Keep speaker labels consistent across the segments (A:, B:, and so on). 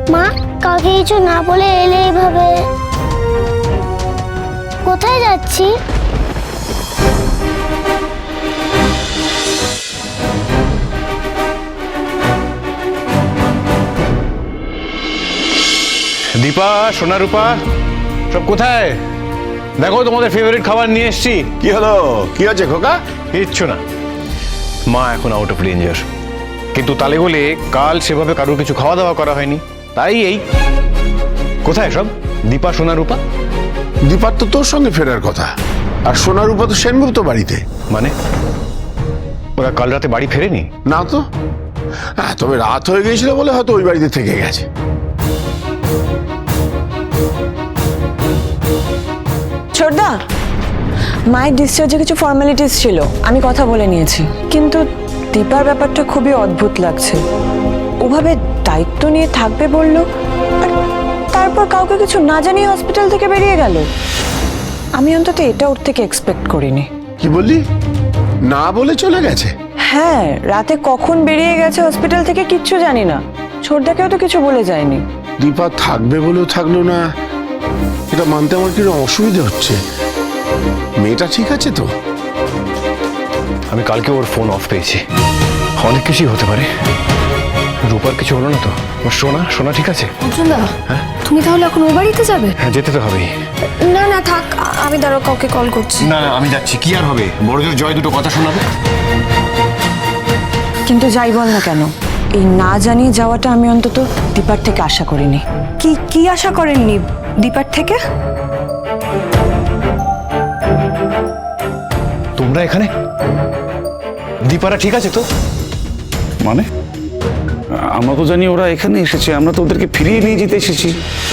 A: মা, কাউকে কিছু না বলে এলে এইভাবে? কোথায় যাচ্ছি?
B: দীপা, সোনা রূপা, সব কোথায়? দেখো তোমাদের ফেভারিট খাবার নিয়ে এসেছি।
C: কি হলো? কি আছে খোকা?
B: কিচ্ছু না, মা এখন আউট অফ ডেঞ্জার, কিন্তু তালে বলে কাল সেভাবে কারোর কিছু খাওয়া দাওয়া করা হয়নি, তাই এই। কোথায় সব দীপা, সোনা রূপা?
C: দীপার তো তোর সঙ্গে ফেরার কথা, আর সোনার উপর তো সেনগুপ্ত বাড়িতে।
B: মানে ওরা কাল রাতে বাড়ি ফেরেনি?
C: না তো। হ্যাঁ, তবে রাত হয়ে গিয়েছিল বলে হয়তো ওই বাড়িতে থেকে গেছে।
D: ছোটদা, মায়ের ডিসচার্জে কিছু ফর্মালিটিস ছিল, আমি কথা বলে নিয়েছি, কিন্তু দীপার ব্যাপারটা খুবই অদ্ভুত লাগছে। ওভাবে দায়িত্ব নিয়ে থাকবে বললো, আর তারপর কাউকে কিছু না জানিয়ে হসপিটাল থেকে বেরিয়ে গেল। আমি অন্তত এটা ওর থেকে এক্সপেক্ট করিনি।
C: কি বললি? না বলে চলে গেছে?
D: হ্যাঁ, রাতে কখন বেরিয়ে গেছে হসপিটাল থেকে কিচ্ছু জানি না। ছোটদাকেও তো কিছু বলে যায়নি।
C: দীপা থাকবে বলেও থাকলো না, এটা মানতে আমার কিরকম অসুবিধা হচ্ছে। মেয়েটা ঠিক আছে তো?
B: আমি কালকে ওর ফোন অফ পেয়েছি, অনেক কিছুই হতে পারে। রূপার কিছু হলো না তো? সোনা, সোনা ঠিক আছে?
E: অর্জুনদা, তুমি তাহলে এখন ও বাড়িতে যাবে?
B: হ্যাঁ, যেতে তো হবেই।
E: না না থাক, আমি দাঁড়াও কাউকে কল করছি।
B: না না, আমি যাচ্ছি। কি আর হবে, বড়জোর জয় দুটো কথা শোনাবে।
D: কিন্তু যাই বল না কেন, এই না জানিয়ে যাওয়াটা আমি অন্তত দীপার থেকে আশা করিনি।
E: কি কি আশা করেননি দীপার থেকে?
B: তোমরা এখানে? দীপারা ঠিক আছে তো?
F: মানে আমরা তো জানি ওরা এখানে এসেছে, আমরা তো ওদেরকে ফিরিয়ে নিয়ে যেতে এসেছি।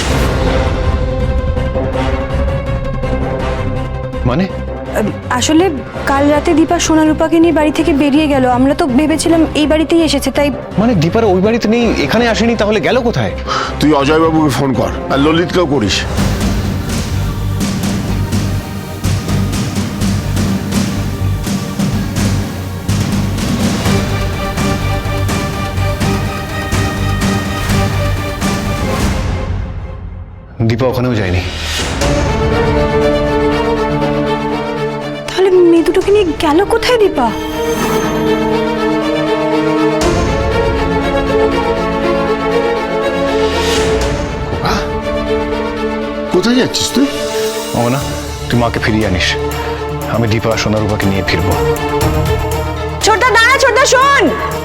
B: মানে
E: আসলে কাল রাতে দীপা সোনারূপাকে নিয়ে বাড়ি থেকে বেরিয়ে গেল, আমরা তো ভেবেছিলাম এই বাড়িতেই এসেছে, তাই।
B: মানে দীপারা ওই বাড়িতে নেই, এখানে আসেনি, তাহলে গেল কোথায়?
C: তুই অজয়বাবুকে ফোন কর, আর ললিতকেও করিস।
B: দীপা ওখানেও যায়নি।
E: তাহলে মেয়ে দুটোকে নিয়ে গেল কোথায় দীপা?
C: কোথায় যাচ্ছিস তুই?
B: ও না, তুই মাকে ফিরিয়ে আনিস, আমি দীপা সোনারূপাকে নিয়ে ফিরবো।
D: ছোটদা দাঁড়া, ছোটদা শোন।